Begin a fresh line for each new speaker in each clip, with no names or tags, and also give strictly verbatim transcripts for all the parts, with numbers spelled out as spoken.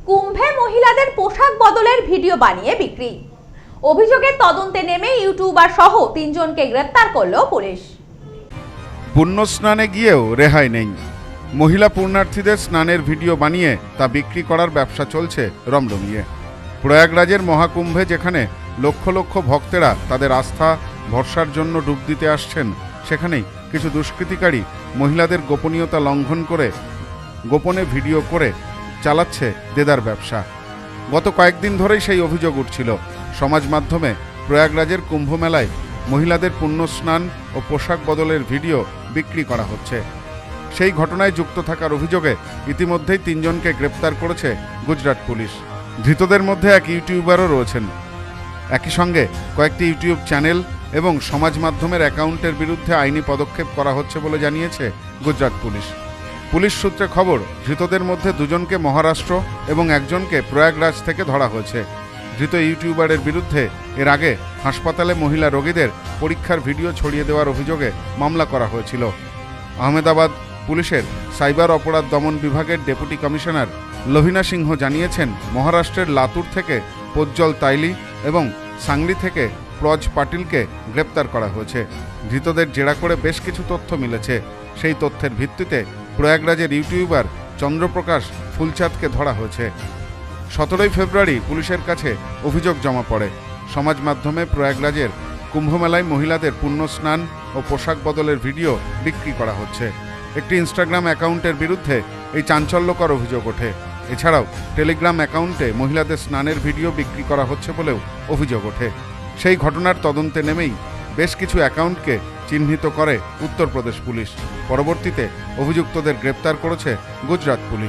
কুম্ভে মহিলাদের পোশাক বদলের ভিডিও বানিয়ে বিক্রি। অভিযোগের তদন্তে নেমে ইউটিউবার সহ তিনজনকে গ্রেপ্তার করল পুলিশ।
পুণ্য স্নানে গিয়েও রেহাই নেই। মহিলা পুণ্যার্থীদের স্নানের ভিডিও বানিয়ে তা বিক্রি করার ব্যবসা চলছে রমরমিয়ে। প্রয়াগরাজের মহাকুম্ভে যেখানে লক্ষ লক্ষ ভক্তেরা তাদের আস্থা ভরসার জন্য ডুব দিতে আসছেন, সেখানেই কিছু দুষ্কৃতিকারী মহিলাদের গোপনীয়তা লঙ্ঘন করে গোপনে ভিডিও করে চালাচ্ছে দেদার ব্যবসা। গত কয়েকদিন ধরেই সেই অভিযোগ উঠছিল। সমাজ মাধ্যমে প্রয়াগরাজের কুম্ভ মেলায় মহিলাদের পুণ্য স্নান ও পোশাক বদলের ভিডিও বিক্রি করা হচ্ছে। সেই ঘটনায় যুক্ত থাকার অভিযোগে ইতিমধ্যেই তিনজনকে গ্রেপ্তার করেছে গুজরাট পুলিশ। ধৃতদের মধ্যে এক ইউটিউবারও রয়েছেন। একই সঙ্গে কয়েকটি ইউটিউব চ্যানেল এবং সমাজ মাধ্যমের অ্যাকাউন্টের বিরুদ্ধে আইনি পদক্ষেপ করা হচ্ছে বলে জানিয়েছে গুজরাট পুলিশ। পুলিশ সূত্রে খবর, ধৃতদের মধ্যে দুজনকে মহারাষ্ট্র এবং একজনকে প্রয়াগরাজ থেকে ধরা হয়েছে। ধৃত ইউটিউবারের বিরুদ্ধে এর আগে হাসপাতালে মহিলা রোগীদের পরীক্ষার ভিডিও ছড়িয়ে দেওয়ার অভিযোগে মামলা করা হয়েছিল। আহমেদাবাদ পুলিশের সাইবার অপরাধ দমন বিভাগের ডেপুটি কমিশনার লভিনা সিংহ জানিয়েছেন, মহারাষ্ট্রের লাতুর থেকে প্রজ্জ্বল তাইলি এবং সাংলি থেকে প্রজ পাটিলকে গ্রেপ্তার করা হয়েছে। ধৃতদের জেরা করে বেশ কিছু তথ্য মিলেছে। সেই তথ্যের ভিত্তিতে প্রয়াগরাজের ইউটিউবার চন্দ্রপ্রকাশ ফুলচাঁদকে ধরা হয়েছে। সতেরোই ফেব্রুয়ারি পুলিশের কাছে অভিযোগ জমা পড়ে। সমাজ মাধ্যমে প্রয়াগরাজের কুম্ভমেলায় মহিলাদের পুণ্য স্নান ও পোশাক বদলের ভিডিও বিক্রি করা হচ্ছে। একটি ইনস্টাগ্রাম অ্যাকাউন্টের বিরুদ্ধে এই চাঞ্চল্যকর অভিযোগ ওঠে। এছাড়াও টেলিগ্রাম অ্যাকাউন্টে মহিলাদের স্নানের ভিডিও বিক্রি করা হচ্ছে বলেও অভিযোগ ওঠে। সেই ঘটনার তদন্তে নেমেই বেশ কিছু অ্যাকাউন্টকে চিহ্নিত করে উত্তরপ্রদেশ পুলিশ। পরবর্তীতে অভিযুক্তদের গ্রেপ্তার করেছে Gujarat police.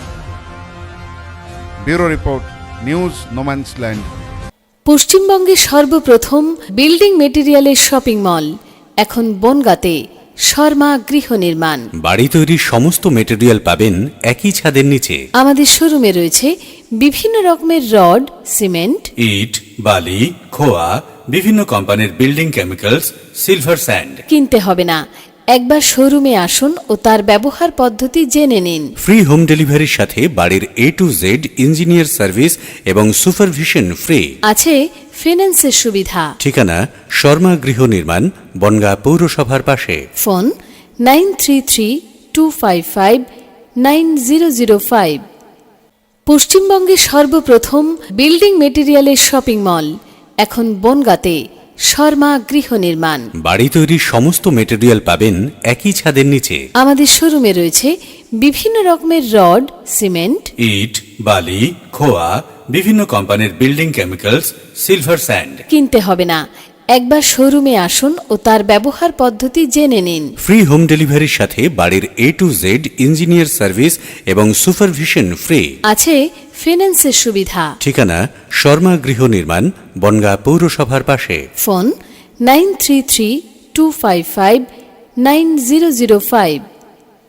Bureau report, news no man's land.
পশ্চিমবঙ্গের সর্বপ্রথম বিল্ডিং মেটেরিয়ালের শপিং মল এখন বনগাঁতে। শর্মা গৃহ নির্মাণ।
বাড়ি তৈরির সমস্ত মেটেরিয়াল পাবেন একই ছাদের নিচে।
আমাদের শোরুমে রয়েছে বিভিন্ন রকমের রড, সিমেন্ট,
ইট, বালি, খোয়া, বিভিন্ন কোম্পানির বিল্ডিং কেমিক্যালস, সিলভার স্যান্ড।
কিনতে হবে না, একবার শোরুমে আসুন ও তার ব্যবহার পদ্ধতি জেনে নিন।
ফ্রি হোম ডেলিভারির সাথে বাড়ির A to Z engineer service এবং সুপারভিশন ফ্রি।
আছে ফিন্যান্সের সুবিধা।
ঠিকানা শর্মা গৃহ নির্মাণ, বনগাঁ পৌরসভার পাশে।
Phone nine three three two five five nine zero zero five. পশ্চিমবঙ্গের সর্বপ্রথম বিল্ডিং মেটেরিয়ালের শপিং মল এখন বনগাঁতে। শর্মা গৃহ নির্মাণ।
বাড়ি তৈরির সমস্ত মেটেরিয়াল পাবেন একই ছাদের নিচে।
আমাদের শোরুমে রয়েছে বিভিন্ন রকমের রড, সিমেন্ট,
ইট, বালি, খোয়া, বিভিন্ন কোম্পানির বিল্ডিং কেমিক্যালস, সিলভার স্যান্ড।
কিনতে হবে না, একবার শোরুমে আসুন ও তার ব্যবহার পদ্ধতি জেনে নিন।
ফ্রি হোম ডেলিভারির সাথে বাড়ির A to Z engineer service এবং সুপারভিশন ফ্রি।
আছে ফিন্যান্সের সুবিধা।
ঠিকানা শর্মা গৃহ নির্মাণ, বনগাঁ পৌরসভার পাশে।
Phone nine three three two five five nine zero zero five.